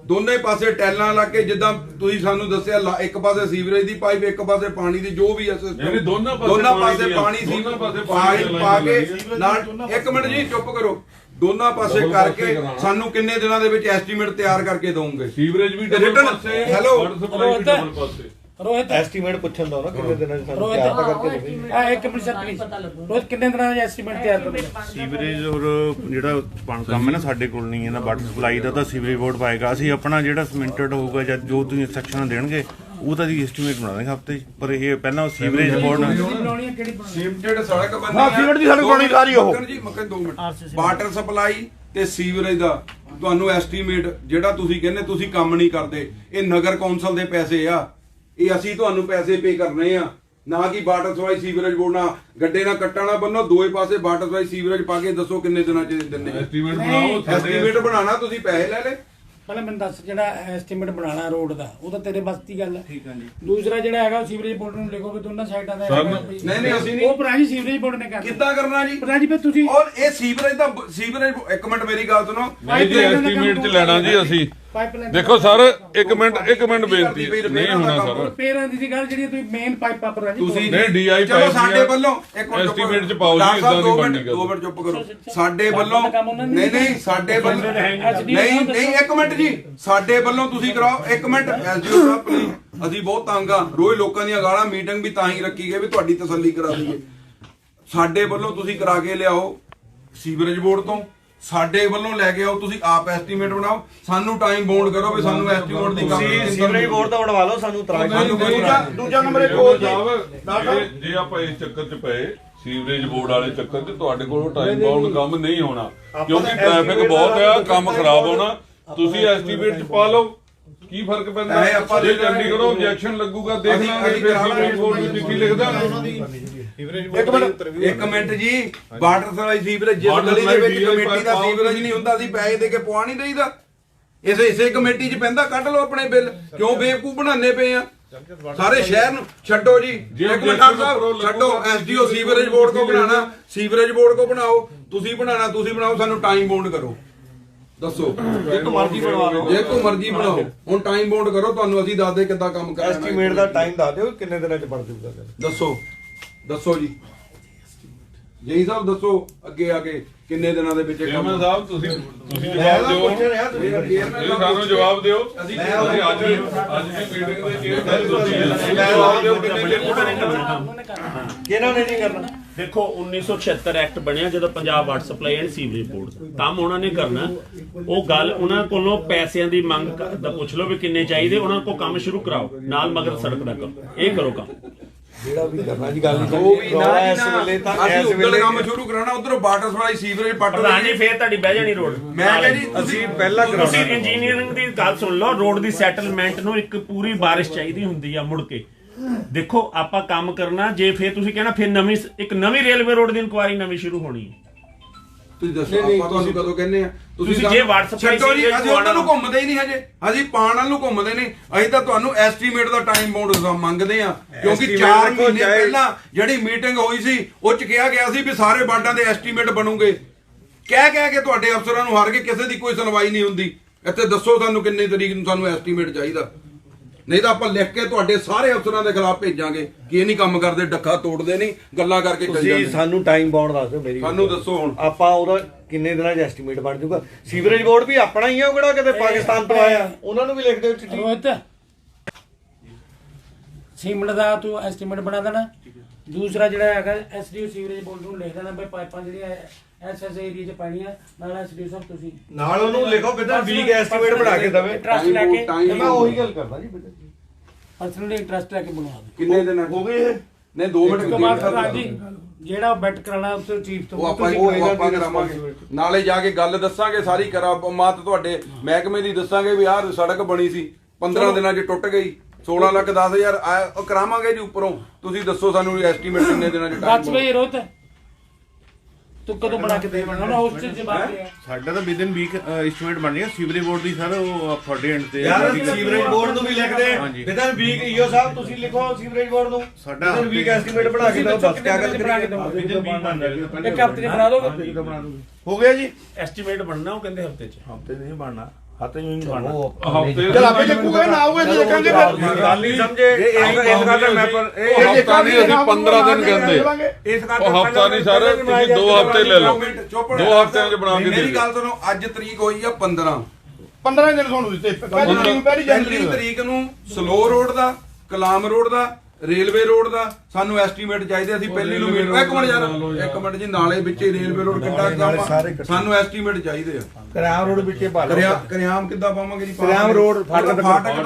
B: ਦੋਨੇ ਪਾਸੇ ਟੈਲਾਂ ਲਾ ਕੇ, ਜਿੱਦਾਂ ਤੁਸੀਂ ਸਾਨੂੰ ਦੱਸਿਆ, ਇੱਕ ਪਾਸੇ ਸੀਵਰੇਜ ਦੀ ਪਾਈਪ, ਇੱਕ ਪਾਸੇ ਪਾਣੀ ਦੀ, ਜੋ ਵੀ
A: ਨਹੀਂ, ਦੋਨਾਂ
B: ਪਾਸੇ ਪਾਣੀ ਸੀਵਰ ਪਾ ਕੇ ਨਾਲ। ਇੱਕ ਮਿੰਟ ਜੀ ਚੁੱਪ ਕਰੋ। ਦੋਨਾਂ ਪਾਸੇ ਕਰਕੇ ਸਾਨੂੰ ਕਿੰਨੇ ਦਿਨਾਂ ਦੇ ਵਿੱਚ ਐਸਟੀਮੇਟ ਤਿਆਰ ਕਰਕੇ ਦਊਂਗੇ?
A: ਸੀਵਰੇਜ ਵੀ ਡਬਲ ਪਾਸੇ,
B: ਹੈਲੋ
A: ਵਾਟਰ ਸਪਲਾਈ ਵੀ ਡਬਲ ਪਾਸੇ।
H: ਰੋਹਿਤ
F: ਐਸਟੀਮੇਟ ਪੁੱਛਣ ਦਾ ਨਾ ਕਿੰਨੇ ਦਿਨਾਂ ਚ ਸਾਨੂੰ
H: ਰੋਹਿਤ
F: ਤਿਆਰ ਕਰਕੇ ਦੇਵੇ।
H: ਆ ਇੱਕ ਮਿੰਟ ਸਰ ਪਲੀਜ਼ ਰੋਹਿਤ ਕਿੰਨੇ ਦਿਨਾਂ ਦਾ ਐਸਟੀਮੇਟ ਤਿਆਰ ਕਰੋਗੇ?
I: ਸੀਵਰੇਜ ਔਰ ਜਿਹੜਾ ਕੰਮ ਹੈ ਨਾ ਸਾਡੇ ਕੋਲ ਨਹੀਂ ਹੈ ਨਾ, ਵਾਟਰ ਸਪਲਾਈ ਦਾ ਤਾਂ ਸੀਵਰੇਜ ਬੋਰਡ ਪਾਏਗਾ। ਅਸੀਂ ਆਪਣਾ ਜਿਹੜਾ ਸਮਿੰਟਡ ਹੋਊਗਾ ਜਾਂ ਜੋ ਤੁਸੀਂ ਇੰਸਟਰਕਸ਼ਨ ਦੇਣਗੇ ਉਹ ਤਾਂ ਦੀ ਐਸਟੀਮੇਟ ਬਣਾ ਦੇਂਗੇ ਹਫਤੇ 'ਚ, ਪਰ ਇਹ ਪਹਿਲਾਂ ਸੀਵਰੇਜ ਬੋਰਡ
H: ਬਣਾਉਣੀ ਹੈ ਕਿਹੜੀ ਬਣਾਉਣੀ?
B: ਸੀਮਟਡ ਸੜਕ ਬੰਦੀ
D: ਹਾਂ, ਸੀਮਿੰਟ ਦੀ ਸੜਕ ਬਣੀ ਸਾਰੀ ਉਹ।
B: ਜੀ ਮੱਕਨ 2 ਮਿੰਟ। ਵਾਟਰ ਸਪਲਾਈ ਤੇ ਸੀਵਰੇਜ ਦਾ ਤੁਹਾਨੂੰ ਐਸਟੀਮੇਟ ਜਿਹੜਾ ਤੁਸੀਂ ਕਹਿੰਦੇ ਤੁਸੀਂ ਕੰਮ ਨਹੀਂ ਕਰਦੇ, ਇਹ ਨਗਰ ਕੌਂਸਲ ਦੇ ਪੈਸੇ ਆ, ਇਹ ਅਸੀਂ ਤੁਹਾਨੂੰ ਪੈਸੇ ਪੇ ਕਰਨੇ ਆ, ਨਾ ਕਿ ਵਾਟਰ ਸਪਲਾਈ ਸੀਵਰੇਜ ਬੋਰਡ ਨਾਲ ਗੱਡੇ ਨਾਲ ਕੱਟਾ ਨਾ ਬੰਨੋ। ਦੋਏ ਪਾਸੇ ਵਾਟਰ ਸਪਲਾਈ ਸੀਵਰੇਜ ਪਾ ਕੇ ਦੱਸੋ ਕਿੰਨੇ ਦਿਨਾਂ ਚ ਦਿੰਦੇ?
A: ਐਸਟੀਮੇਟ ਬਣਾਓ।
B: ਐਸਟੀਮੇਟ ਬਣਾਣਾ, ਤੁਸੀਂ ਪੈਸੇ ਲੈ ਲੈ।
H: ਪਹਿਲਾਂ ਮੈਨੂੰ ਦੱਸ, ਜਿਹੜਾ ਐਸਟੀਮੇਟ ਬਣਾਉਣਾ ਰੋਡ ਦਾ ਉਹ ਤਾਂ ਤੇਰੇ ਬਸ ਦੀ ਗੱਲ ਹੈ। ਠੀਕ ਹੈ ਜੀ। ਦੂਸਰਾ ਜਿਹੜਾ ਹੈਗਾ ਸੀਵਰੇਜ ਬੋਰਡ ਨੂੰ ਲਿਖੋਗੇ ਦੋਨਾਂ ਸਾਈਡਾਂ ਦਾ
B: ਨਹੀਂ ਅਸੀਂ ਨਹੀਂ,
H: ਉਹ ਪ੍ਰਾਜੀ ਸੀਵਰੇਜ ਬੋਰਡ ਨੇ ਕਰਨਾ।
B: ਕਿੱਦਾਂ ਕਰਨਾ ਜੀ
H: ਪ੍ਰਾਜੀ ਫਿਰ ਤੁਸੀਂ
B: ਔਰ ਇਹ ਸੀਵਰੇਜ ਦਾ ਸੀਵਰੇਜ, ਇੱਕ ਮਿੰਟ ਮੇਰੀ ਗੱਲ ਸੁਣੋ।
A: ਨਹੀਂ ਜੀ, ਐਸਟੀਮੇਟ 'ਚ ਲੈਣਾ ਜੀ ਅਸੀਂ।
H: ਪਾਈਪਲਾਈਨ
A: ਦੇਖੋ ਸਰ, ਇੱਕ ਮਿੰਟ ਬੇਨਤੀ ਨਹੀਂ ਹੋਣਾ ਸਰ।
H: ਪੇਰਾਂ ਦੀ ਗੱਲ ਜਿਹੜੀ ਤੁਸੀਂ ਮੇਨ ਪਾਈਪਾਂ ਪਰ
B: ਤੁਸੀਂ
A: ਨਹੀਂ DI
B: ਚਲੋ ਸਾਡੇ ਵੱਲੋਂ ਇੱਕ ਮਿੰਟ
A: ਐਸਟੀਮੇਟ 'ਚ ਪਾਓ ਜੀ, ਇਦਾਂ ਦੀ ਬਣਨੀ ਗੱਲ।
B: 2 ਮਿੰਟ ਚੁੱਪ ਕਰੋ। ਸਾਡੇ ਵੱਲੋਂ ਨਹੀਂ ਸਾਡੇ ਵੱਲੋਂ ਨਹੀਂ ਇੱਕ ਮਿੰਟ ਜੀ, ਸਾਡੇ ਵੱਲੋਂ ਤੁਸੀਂ ਕਰਾਓ। ਇੱਕ ਮਿੰਟ ਐਸਡੀਓ ਸਾਹਿਬ ਪਲੀਜ਼, ਅਸੀਂ ਬਹੁਤ ਤੰਗ ਆ, ਰੋਜ਼ ਲੋਕਾਂ ਦੀਆਂ ਗਾਲਾਂ। ਮੀਟਿੰਗ ਵੀ ਤਾਂ ਹੀ ਰੱਖੀ ਗਈ ਵੀ ਤੁਹਾਡੀ ਤਸੱਲੀ ਕਰਾ ਦਈਏ। ਸਾਡੇ ਵੱਲੋਂ ਤੁਸੀਂ ਕਰਾ ਕੇ ਲਿਆਓ ਸੀਵਰੇਜ ਬੋਰਡ ਤੋਂ, ਸਾਡੇ ਵੱਲੋਂ ਲੈ ਕੇ ਆਓ, ਤੁਸੀਂ ਆਪ ਐਸਟੀਮੇਟ ਬਣਾਓ, ਸਾਨੂੰ ਟਾਈਮ ਬਾਉਂਡ ਕਰੋ ਵੀ ਸਾਨੂੰ ਐਸਟੀਮੇਟ ਦੀ
F: ਤੁਸੀਂ ਸੀਵਰੇਜ ਬੋਰਡ ਦਾ ਬਣਵਾ ਲਓ, ਸਾਨੂੰ
D: ਦੂਜਾ ਨੰਬਰ ਇੱਕ ਹੋਰ
A: ਜੇ ਆਪਾਂ ਇਸ ਚੱਕਰ 'ਚ ਪਏ ਸੀਵਰੇਜ ਬੋਰਡ ਵਾਲੇ ਚੱਕਰ 'ਚ, ਤੁਹਾਡੇ ਕੋਲ ਟਾਈਮ ਬਾਉਂਡ ਕੰਮ ਨਹੀਂ ਹੋਣਾ, ਕਿਉਂਕਿ ਟ੍ਰੈਫਿਕ ਬਹੁਤ ਆ, ਕੰਮ ਖਰਾਬ ਹੋਣਾ। ਤੁਸੀਂ ਐਸਟੀਮੇਟ 'ਚ ਪਾ ਲਓ, ਕੀ ਫਰਕ ਪੈਂਦਾ? ਜੇ ਚੰਡੀਗੜ੍ਹੋਂ ਆਬਜੈਕਸ਼ਨ ਲੱਗੂਗਾ ਦੇਖ ਲਾਂਗੇ, ਫਿਰ ਸੀਵਰੇਜ ਬੋਰਡ ਦੀ ਚਿੱਠੀ ਲਿਖ ਦਾਂਗੇ।
B: ਇੱਕ ਮਿੰਟ ਜੀ, ਵਾਟਰ ਸਪਲਾਈ ਸੀਵਰੇਜ ਜਿਸ ਗਲੀ ਦੇ ਵਿੱਚ ਕਮੇਟੀ ਦਾ ਸੀਵਰੇਜ ਨਹੀਂ ਹੁੰਦਾ, ਅਸੀਂ ਪੈਸੇ ਦੇ ਕੇ ਪਵਾ ਨਹੀਂ ਦੇਈਦਾ। ਇਸੇ ਕਮੇਟੀ 'ਚ ਪੈਂਦਾ, ਕੱਢ ਲਓ ਆਪਣੇ ਬਿੱਲ। ਕਿਉਂ ਬੇਵਕੂਫ ਬਣਾਉਂਦੇ ਪਏ ਆ ਸਾਰੇ ਸ਼ਹਿਰ ਨੂੰ? ਛੱਡੋ ਜੀ, ਇੱਕ ਮਿੰਟ ਸਾਹਿਬ ਛੱਡੋ। ਐਸਡੀਓ ਸੀਵਰੇਜ ਬੋਰਡ ਕੋ ਬਣਾਣਾ, ਸੀਵਰੇਜ ਬੋਰਡ ਕੋ ਬਣਾਓ। ਤੁਸੀਂ ਬਣਾਣਾ, ਤੁਸੀਂ ਬਣਾਓ, ਸਾਨੂੰ ਟਾਈਮ ਬਾਉਂਡ ਕਰੋ। ਦੱਸੋ,
F: ਜੇ ਤੂੰ ਮਰਜ਼ੀ ਬਣਵਾ ਲਓ,
B: ਜੇ ਤੂੰ ਮਰਜ਼ੀ ਬਣਾਓ, ਹੁਣ ਟਾਈਮ ਬਾਉਂਡ ਕਰੋ, ਤੁਹਾਨੂੰ ਅਸੀਂ ਦੱਸਦੇ ਕਿੱਦਾਂ ਕੰਮ ਕਰਨਾ।
F: ਐਸਟੀਮੇਟ ਦਾ ਟਾਈਮ ਦੱਸ ਦਿਓ ਕਿੰਨੇ ਦਿਨਾਂ ਚ ਬਣ ਜਾਊਗਾ।
B: ਦੱਸੋ ਜੀ ਜੇਈ ਸਾਹਿਬ, ਦੱਸੋ ਅੱਗੇ ਆ ਕੇ ਕਿੰਨੇ ਦਿਨਾਂ ਦੇ ਵਿੱਚ
A: ਚੇਅਰਮੈਨ ਸਾਹਿਬ ਤੁਸੀਂ ਜਵਾਬ ਦਿਓ, ਤੁਸੀਂ ਸਾਨੂੰ ਜਵਾਬ ਦਿਓ। ਅਸੀਂ ਅੱਜ ਦੀ ਮੀਟਿੰਗ ਦੇ ਚੇਅਰਮੈਨ ਤੁਸੀਂ ਜਵਾਬ ਦਿਓ ਕਿੰਨੇ ਦਿਨ
F: ਕਿਹਨਾਂ ਨੇ ਨਹੀਂ ਕਰਨਾ।
C: ਦੇਖੋ 1976 ਐਕਟ ਬਣਿਆ ਜਦੋਂ Punjab water supply and sewerage board ਦਾ ਕੰਮ ਉਹਨਾਂ ਨੇ ਕਰਨਾ। ਉਹ ਗੱਲ ਉਹਨਾਂ ਕੋਲੋਂ ਪੈਸਿਆਂ ਦੀ ਮੰਗ ਦਾ ਪੁੱਛ ਲਓ ਵੀ ਕਿੰਨੇ ਚਾਹੀਦੇ, ਉਹਨਾਂ ਕੋਲ ਕੰਮ ਸ਼ੁਰੂ ਕਰਾਓ, ਨਾਲ ਮਗਰ ਸੜਕ ਦਾ ਕੰਮ, ਇਹ ਕਰੋ ਕੰਮ।
F: ਜਿਹੜਾ ਵੀ ਕਰਨਾ ਜੀ, ਗੱਲ ਨਹੀਂ ਕਰਨੀ। ਇਸ ਵੇਲੇ ਤਾਂ
B: ਅਸੀਂ ਉਧਰ ਕੰਮ ਸ਼ੁਰੂ ਕਰਾਉਣਾ, ਉਧਰੋਂ ਵਾਟਰ ਸਪਲਾਈ ਸੀਵਰੇਜ ਪੱਟ
C: ਪ੍ਰਧਾਨ ਜੀ ਫੇਰ ਤੁਹਾਡੀ ਬਹਿ ਜਾਣੀ ਰੋਡ।
B: ਮੈਂ ਕਿਹਾ ਜੀ
F: ਅਸੀਂ ਪਹਿਲਾਂ
C: ਤੁਸੀਂ ਇੰਜੀਨੀਅਰਿੰਗ ਦੀ ਗੱਲ ਸੁਣ ਲਓ। ਰੋਡ ਦੀ ਸੈਟਲਮੈਂਟ ਨੂੰ ਇੱਕ ਪੂਰੀ ਬਾਰਿਸ਼ ਚਾਹੀਦੀ ਹੁੰਦੀ ਆ ਮੁੜ ਕੇ। ਦੇਖੋ ਆਪਾਂ ਕੰਮ ਕਰਨਾ, ਜੇ ਫੇਰ ਤੁਸੀਂ ਕਹਿਣਾ ਫਿਰ ਇੱਕ ਨਵੀਂ ਰੇਲਵੇ ਰੋਡ ਦੀ ਇਨਕੁਆਇਰੀ ਨਵੀਂ ਸ਼ੁਰੂ ਹੋਣੀ ਹੈ।
B: ਤੁਸੀਂ ਦੱਸੋ ਆਪਾਂ ਤੁਹਾਨੂੰ ਕਦੋਂ ਕਹਿੰਦੇ ਆ?
C: ਤੁਸੀਂ ਜੇ WhatsApp
B: ਛੱਡੋ ਜੀ, ਅਸੀਂ ਉਹਨਾਂ ਨੂੰ ਘੁੰਮਦੇ ਹੀ ਨਹੀਂ ਹਜੇ, ਅਸੀਂ ਪਾਣ ਵਾਲ ਨੂੰ ਘੁੰਮਦੇ ਨਹੀਂ। ਅਸੀਂ ਤਾਂ ਤੁਹਾਨੂੰ ਐਸਟੀਮੇਟ ਦਾ ਟਾਈਮ ਬਾਉਂਡ ਮੰਗਦੇ ਆ, ਕਿਉਂਕਿ 4 ਮਹੀਨੇ ਪਹਿਲਾਂ ਜਿਹੜੀ ਮੀਟਿੰਗ ਹੋਈ ਸੀ ਉਹ ਚ ਕਿਹਾ ਗਿਆ ਸੀ ਵੀ ਸਾਰੇ ਵਾਰਡਾਂ ਦੇ ਐਸਟੀਮੇਟ ਬਣੂਗੇ। ਕਹਿ ਕੇ ਤੁਹਾਡੇ ਅਫਸਰਾਂ ਨੂੰ ਹਾਰ ਕੇ ਕਿਸੇ ਦੀ ਕੋਈ ਸੁਣਵਾਈ ਨਹੀਂ ਹੁੰਦੀ। ਇੱਥੇ ਦੱਸੋ ਸਾਨੂੰ ਕਿੰਨੀ ਤਰੀਕ ਨੂੰ ਸਾਨੂੰ ਐਸਟੀਮੇਟ ਚਾਹੀਦਾ, ਨਹੀਂ ਤਾਂ ਆਪਾਂ ਲਿਖ ਕੇ ਤੁਹਾਡੇ ਸਾਰੇ ਅਫਸਰਾਂ ਦੇ ਖਿਲਾਫ ਭੇਜਾਂਗੇ ਕਿ ਇਹ ਨਹੀਂ ਕੰਮ ਕਰਦੇ, ਡੱਕਾ ਤੋੜਦੇ ਨਹੀਂ, ਗੱਲਾਂ ਕਰਕੇ ਚੱਲ ਜਾਂਦੇ।
F: ਤੁਸੀਂ ਸਾਨੂੰ ਟਾਈਮ ਬਾਉਂਡ ਦੱਸ ਦਿਓ। ਮੇਰੀ
B: ਸਾਨੂੰ ਦੱਸੋ ਹੁਣ
F: ਆਪਾਂ ਉਹਦਾ ਕਿੰਨੇ ਦਿਨਾਂ 'ਚ ਐਸਟੀਮੇਟ ਬਣ ਜਾਊਗਾ। ਸੀਵਰੇਜ ਬੋਰਡ ਵੀ ਆਪਣਾ ਹੀ ਆ, ਉਹ ਕਿਹੜਾ ਕਿਤੇ ਪਾਕਿਸਤਾਨ ਤੋਂ ਆਇਆ, ਉਹਨਾਂ ਨੂੰ ਵੀ ਲਿਖ ਦਿਓ ਚਿੱਠੀ।
H: ਰੋਹਿਤ ਸੀਮਿੰਟ ਦਾ ਤੂੰ ਐਸਟੀਮੇਟ ਬਣਾ ਦੇਣਾ। ਦੂਸਰਾ ਜਿਹੜਾ ਹੈਗਾ ਐਸਡੀਓ ਸੀਵਰੇਜ ਬੋਰਡ ਨੂੰ ਲਿਖ ਦੇਣਾ ਬਈ ਪਾਈਪਾਂ ਜਿਹੜੀਆਂ ਐਸ ਏਰੀਆ 'ਚ ਪੈਣੀਆਂ, ਨਾਲ ਐਸਡੀਓ ਸਾਹਿਬ ਤੁਸੀਂ
F: ਨਾਲ ਉਹਨੂੰ ਲਿਖੋ ਬਿਦਰ ਵੀਕ ਐਸਟੀਮੇਟ ਬਣਾ ਕੇ ਦੇਵੇ।
H: ਇੰਟਰਸਟ ਲੈ ਕੇ
F: ਮੈਂ ਉਹੀ ਗੱਲ ਕਰਦਾ ਜੀ ਬਿਦਰ
H: ਪਰਸਨਲੀ ਇੰਟਰਸਟ ਲੈ ਕੇ ਬਣਵਾ ਦੇ।
B: ਕਿੰਨੇ ਦਿਨ
F: ਹੋ ਗਏ ਇਹ?
B: ਨਹੀਂ 2 ਮਿੰਟ
H: ਉਸ ਤੋਂ ਬਾਅਦ ਹਾਂਜੀ ਜਿਹੜਾ ਬੈਟ ਕਰਾਣਾ ਉਸ ਤੋਂ ਚੀਫ ਤੋਂ
B: ਉਹ ਆਪਾਂ ਕਰਾਵਾਂਗੇ, ਨਾਲੇ ਜਾ ਕੇ ਗੱਲ ਦੱਸਾਂਗੇ ਸਾਰੀ ਕਰਾਮਾਤ ਤੁਹਾਡੇ ਮਹਿਕਮੇ ਦੀ ਦੱਸਾਂਗੇ ਵੀ ਆਹ ਸੜਕ ਬਣੀ ਸੀ 15 ਦਿਨਾਂ 'ਚ ਟੁੱਟ ਗਈ, 16,10,000 ਉਹ ਕਰਾਵਾਂਗੇ ਜੀ ਉੱਪਰੋਂ। ਤੁਸੀਂ ਦੱਸੋ ਸਾਨੂੰ ਐਸਟੀਮੇਟ ਕਿੰਨੇ ਦਿਨਾਂ 'ਚ
H: ਦੱਸ ਬਈ ਰੋਹਿਤ ਤੂੰ ਕਦੋਂ ਬਣਾ ਕੇ ਦੇਵਾਂਗਾ ਨਾ ਉਸ ਚ ਜਵਾਬ ਦੇ।
I: ਸਾਡਾ ਤਾਂ ਵਿਦਨ ਵੀਕ ਐਸਟੀਮੇਟ ਬਣ ਜਾਏਗਾ ਸੀਵਰੇਜ ਬੋਰਡ ਦੀ ਸਰ, ਉਹ ਤੁਹਾਡੇ ਐਂਡ ਤੇ
F: ਯਾਰ ਸੀਵਰੇਜ ਬੋਰਡ ਨੂੰ ਵੀ ਲਿਖਦੇ ਵਿਦਨ ਵੀਕ ਈਓ ਸਾਹਿਬ ਤੁਸੀਂ ਲਿਖੋ ਸੀਵਰੇਜ ਬੋਰਡ ਨੂੰ
I: ਸਾਡਾ
F: ਵਿਦਨ ਵੀਕ ਐਸਟੀਮੇਟ ਬਣਾ ਕੇ ਦਿਓ। ਬਸ ਕਿਆ ਗੱਲ
H: ਬਣਾ ਕੇ
F: ਕਰੀਏ।
H: ਦਿਓ, ਇੱਕ ਹਫ਼ਤੇ ਚ ਬਣਾ ਦੋਗੇ।
D: ਹੋ ਗਿਆ ਜੀ।
C: ਐਸਟੀਮੇਟ ਬਣਨਾ ਉਹ ਕਹਿੰਦੇ ਹਫਤੇ 'ਚ।
I: ਹਫਤੇ ਨਹੀਂ ਬਣਨਾ, ਹੱਥ ਨਹੀਂ ਬਣਨਾ
A: ਹਫ਼ਤੇ
D: ਚਲ ਆਪੇ ਚੱਕੂਗੇ ਨਾ ਆਊਗੇ ਤੇ ਦੇਖਾਂਗੇ ਫਿਰ
F: ਗੱਲ ਨਹੀਂ ਸਮਝੇ ਇਸ ਕਰਕੇ ਮੈਂ
A: ਉਹ ਹਫ਼ਤਾ ਨਹੀਂ ਅਸੀਂ 15 ਦਿਨ ਕਹਿੰਦੇ
F: ਇਸ ਕਰਕੇ
A: ਉਹ ਹਫ਼ਤਾ ਨਹੀਂ ਸਰ ਤੁਸੀਂ 2 ਹਫ਼ਤੇ ਲੈ ਲਓ 2 ਹਫ਼ਤਿਆਂ 'ਚ ਬਣਾ ਕੇ ਦੇ
B: ਮੇਰੀ
A: ਦਿਓ
B: ਗੱਲ ਸੁਣੋ ਅੱਜ ਤਰੀਕ ਹੋਈ ਆ
D: 15 ਦਿਨ ਤੁਹਾਨੂੰ ਦਿੱਤੇ ਪਹਿਲੀ
B: ਪਹਿਲੀ ਤਰੀਕ ਨੂੰ ਸਲੋ ਰੋਡ ਦਾ ਕਲਾਮ ਰੋਡ ਦਾ ਰੇਲਵੇ ਰੋਡ ਦਾ ਸਾਨੂੰ ਐਸਟੀਮੇਟ ਚਾਹੀਦੇ ਅਸੀਂ ਪਹਿਲੀ ਨੂੰ ਮੀਟ ਇੱਕ ਮਿੰਟ ਯਾਰ ਇੱਕ ਮਿੰਟ ਜੀ ਨਾਲੇ ਵਿੱਚ ਹੀ ਰੇਲਵੇ ਰੋਡ ਕਿੱਡਾ ਕੰਮ ਆ ਸਾਨੂੰ ਐਸਟੀਮੇਟ ਚਾਹੀਦੇ ਆ
F: ਕਰਿਆਮ ਰੋਡ ਵਿੱਚੇ ਪਾ
B: ਕਰਿਆਮ ਕਿੱਦਾਂ ਪਾਵਾਂਗੇ ਜੀ
F: ਕਰਿਆਮ ਰੋਡ
B: ਫਾਟਕ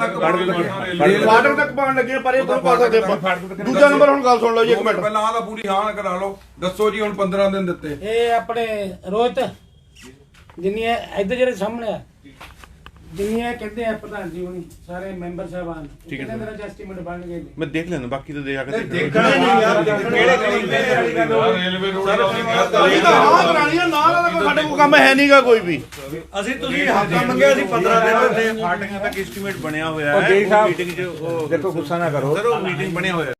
D: ਤੱਕ ਪਾਉਣ ਲੱਗੇ ਪਰ ਇਹ ਤੋਂ ਪਾ ਸਕਦੇ ਆਪਾਂ ਦੂਜਾ ਨੰਬਰ ਹੁਣ ਗੱਲ ਸੁਣ ਲਓ ਜੀ ਇੱਕ ਮਿੰਟ
B: ਪਹਿਲਾਂ ਆਹ ਤਾਂ ਪੂਰੀ ਹਾਂ ਕਰਾ ਲਓ ਦੱਸੋ ਜੀ ਹੁਣ 15 ਦਿਨ ਦਿੱਤੇ
H: ਇਹ ਆਪਣੇ ਰੋਹਿਤ ਜਿੰਨੀਆਂ ਇੱਧਰ ਜਿਹੜੇ ਸਾਹਮਣੇ ਆ ਜਿੰਨੀਆਂ ਕਹਿੰਦੇ ਆ ਪ੍ਰਧਾਨ ਜੀ ਹੁਣੀ ਸਾਰੇ ਮੈਂਬਰ ਸਾਹਿਬਾਨ ਕਿੰਨੇ ਦਿਨਾਂ ਚ ਐਸਟੀਮੇਟ ਬਣ ਗਏ ਨੇ?
I: ਮੈਂ ਦੇਖ ਲੈਣਾ ਬਾਕੀ ਤਾਂ ਦੇ ਆ ਕੇ
F: ਦੇਖਣਾ ਨਹੀਂ ਯਾਰ ਕਿਹੜੇ
A: ਰੇਲਵੇ ਰੋਡ
D: ਇਹ ਤਾਂ ਹਾਂ ਕਰਾਣੀ ਆ ਨਾਲ ਦਾ ਕੋਈ ਸਾਡੇ ਕੋਲ ਕੰਮ ਹੈ ਨਹੀਂਗਾ ਕੋਈ ਵੀ
F: ਅਸੀਂ ਤੁਸੀਂ ਹੱਥਾਂ ਮੰਗਿਆ ਅਸੀਂ 15 ਦਿਨ ਦਿੱਤੇ
I: ਫਾਟਕਾਂ ਤੱਕ ਐਸਟੀਮੇਟ ਬਣਿਆ ਹੋਇਆ ਹੈ ਮੀਟਿੰਗ 'ਚ ਦੇਖੋ ਗੁੱਸਾ ਨਾ ਕਰੋ ਸਰ ਉਹ ਮੀਟਿੰਗ ਬਣਿਆ ਹੋਇਆ